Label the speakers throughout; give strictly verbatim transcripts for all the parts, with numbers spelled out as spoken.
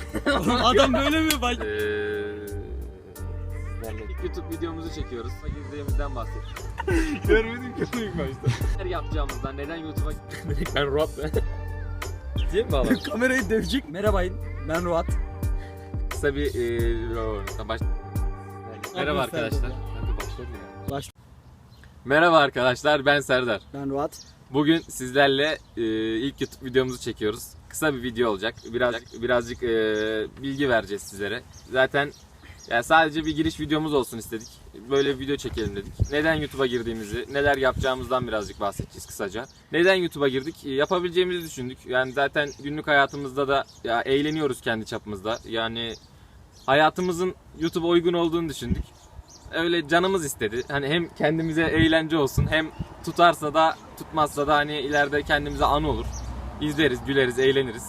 Speaker 1: Adam böyle mi bak?
Speaker 2: İlk YouTube videomuzu çekiyoruz. Girdiğimizden bahsettik.
Speaker 1: Görmedim ki ilk başta.
Speaker 2: Neler yapacağımızdan, neden YouTube'a gitmedik? Ben Ruat be. Değil mi baba?
Speaker 1: Kamerayı dövecek. Merhaba, ben Ruat.
Speaker 2: Kısa bir e, baş... Merhaba arkadaşlar. Hadi başlayalım ya.
Speaker 1: Baş...
Speaker 2: Merhaba arkadaşlar, ben Serdar.
Speaker 1: Ben Ruat.
Speaker 2: Bugün sizlerle e, ilk YouTube videomuzu çekiyoruz. Kısa bir video olacak. Birazcık birazcık e, bilgi vereceğiz sizlere. Zaten yani sadece bir giriş videomuz olsun istedik. Böyle bir video çekelim dedik. Neden YouTube'a girdiğimizi, neler yapacağımızdan birazcık bahsedeceğiz kısaca. Neden YouTube'a girdik? Yapabileceğimizi düşündük. Yani zaten günlük hayatımızda da ya eğleniyoruz kendi çapımızda. Yani hayatımızın YouTube'a uygun olduğunu düşündük. Öyle canımız istedi. Hani hem kendimize eğlence olsun, hem tutarsa da tutmazsa da hani ileride kendimize anı olur. İzleriz, güleriz, eğleniriz.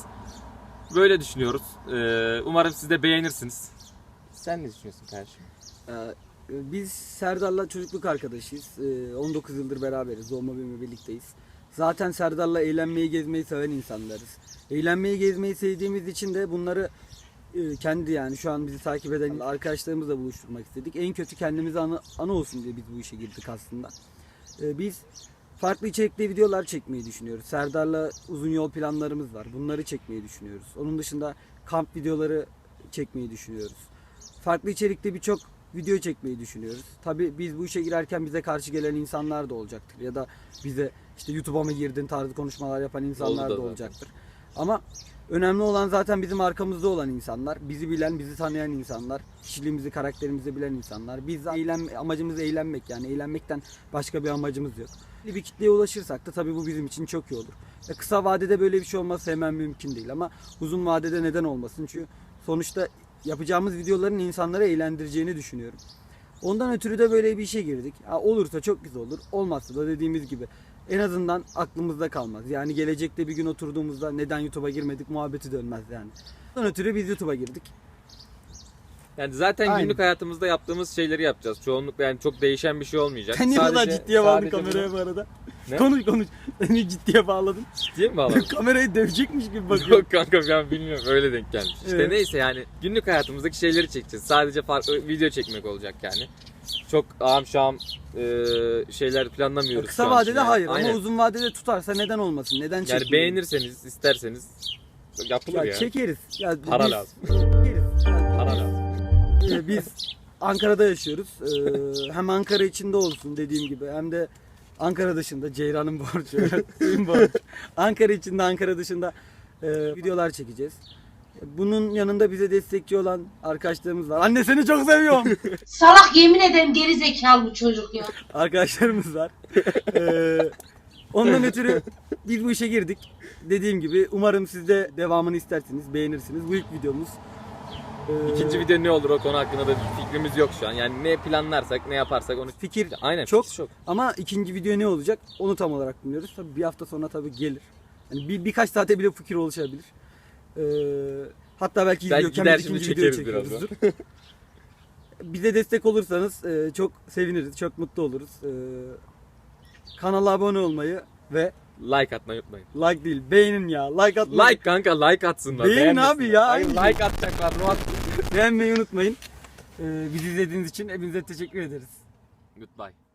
Speaker 2: Böyle düşünüyoruz. Ee, umarım siz de beğenirsiniz. Sen ne düşünüyorsun kardeşim?
Speaker 1: Ee, biz Serdar'la çocukluk arkadaşıyız. Ee, on dokuz yıldır beraberiz. Doğma büyüme birlikteyiz. Zaten Serdar'la eğlenmeyi, gezmeyi seven insanlarız. Eğlenmeyi, gezmeyi sevdiğimiz için de bunları e, kendi yani şu an bizi takip eden arkadaşlarımızla buluşturmak istedik. En kötü kendimize anı, anı olsun diye biz bu işe girdik aslında. Ee, biz farklı içerikli videolar çekmeyi düşünüyoruz. Serdar'la uzun yol planlarımız var. Bunları çekmeyi düşünüyoruz. Onun dışında kamp videoları çekmeyi düşünüyoruz. Farklı içerikte birçok video çekmeyi düşünüyoruz. Tabii biz bu işe girerken bize karşı gelen insanlar da olacaktır. Ya da bize işte YouTube'a mı girdin tarzı konuşmalar yapan insanlar da olacaktır. Ama önemli olan zaten bizim arkamızda olan insanlar. Bizi bilen, bizi tanıyan insanlar. Kişiliğimizi, karakterimizi bilen insanlar. Biz eğlen, amacımız eğlenmek, yani eğlenmekten başka bir amacımız yok. Bir kitleye ulaşırsak da tabii bu bizim için çok iyi olur. Ya kısa vadede böyle bir şey olması hemen mümkün değil ama uzun vadede neden olmasın? Çünkü sonuçta yapacağımız videoların insanları eğlendireceğini düşünüyorum. Ondan ötürü de böyle bir işe girdik. Ha, olursa çok güzel olur. Olmazsa da dediğimiz gibi en azından aklımızda kalmaz. Yani gelecekte bir gün oturduğumuzda neden YouTube'a girmedik muhabbeti dönmez yani. Ondan ötürü biz YouTube'a girdik.
Speaker 2: Yani zaten
Speaker 1: Aynen.
Speaker 2: Günlük hayatımızda yaptığımız şeyleri yapacağız. Çoğunlukla yani çok değişen bir şey olmayacak.
Speaker 1: Sen niye
Speaker 2: Sadece-
Speaker 1: kadar ciddiye bağladın
Speaker 2: sadece
Speaker 1: kameraya
Speaker 2: bunu-
Speaker 1: bu arada?
Speaker 2: Ne?
Speaker 1: Konuş konuş. Seni ciddiye bağladın.
Speaker 2: Ciddiye mi bağladın?
Speaker 1: Kamerayı dövecekmiş gibi bakıyorum.
Speaker 2: Yok kanka ben bilmiyorum, öyle denk gelmiş. İşte
Speaker 1: Evet.
Speaker 2: neyse yani günlük hayatımızdaki şeyleri çekeceğiz. Sadece farklı video çekmek olacak yani. Çok ağam şam e, şeyler planlamıyoruz.
Speaker 1: Kısa
Speaker 2: şu an
Speaker 1: vadede
Speaker 2: için yani.
Speaker 1: hayır
Speaker 2: Aynen.
Speaker 1: ama uzun vadede tutarsa neden olmasın? Neden
Speaker 2: Yani
Speaker 1: çekmeyelim?
Speaker 2: beğenirseniz, isterseniz yapılır
Speaker 1: Ya
Speaker 2: ya.
Speaker 1: çekeriz. Ya
Speaker 2: Para
Speaker 1: biz-
Speaker 2: lazım.
Speaker 1: Çekeriz. Ya
Speaker 2: Para
Speaker 1: biz-
Speaker 2: lazım.
Speaker 1: Ee, Biz Ankara'da yaşıyoruz. Ee, hem Ankara içinde olsun dediğim gibi hem de Ankara dışında Ceyran'ın borcu, suyun borcu. Ankara içinde, Ankara dışında e, videolar çekeceğiz. Bunun yanında bize destekçi olan arkadaşlarımız var. Anne seni çok seviyorum.
Speaker 3: Salak, yemin ederim geri zekalı bu çocuk ya.
Speaker 1: Arkadaşlarımız var. Ee, ondan ötürü biz bu işe girdik. Dediğim gibi umarım siz de devamını istersiniz, beğenirsiniz. Bu ilk videomuz. Ee,
Speaker 2: İkinci video ne olur o konu hakkında da bir fikrimiz yok şu an. Yani ne planlarsak, ne yaparsak onu...
Speaker 1: fikir
Speaker 2: Aynen,
Speaker 1: çok,
Speaker 2: fikir çok.
Speaker 1: ama ikinci video ne olacak onu tam olarak bilmiyoruz. Tabii bir hafta sonra tabii gelir. Yani bir, birkaç saate bile fikir oluşabilir. Ee, hatta belki
Speaker 2: Belki
Speaker 1: izliyorken
Speaker 2: gider
Speaker 1: biz
Speaker 2: şimdi
Speaker 1: ikinci videoyu
Speaker 2: çekeriz
Speaker 1: çekiyoruzdur. Bize destek olursanız e, çok seviniriz, çok mutlu oluruz. Ee, kanala abone olmayı ve
Speaker 2: Like atmayı unutmayın.
Speaker 1: like değil beğenin ya. Like atmayı,
Speaker 2: Like kanka, like atsınlar.
Speaker 1: Beğenin
Speaker 2: beğenmesinler.
Speaker 1: abi ya.
Speaker 2: Hayır, like atacaklar. Murat.
Speaker 1: beğenmeyi unutmayın. Ee, bizi izlediğiniz için hepinize teşekkür ederiz.
Speaker 2: Goodbye.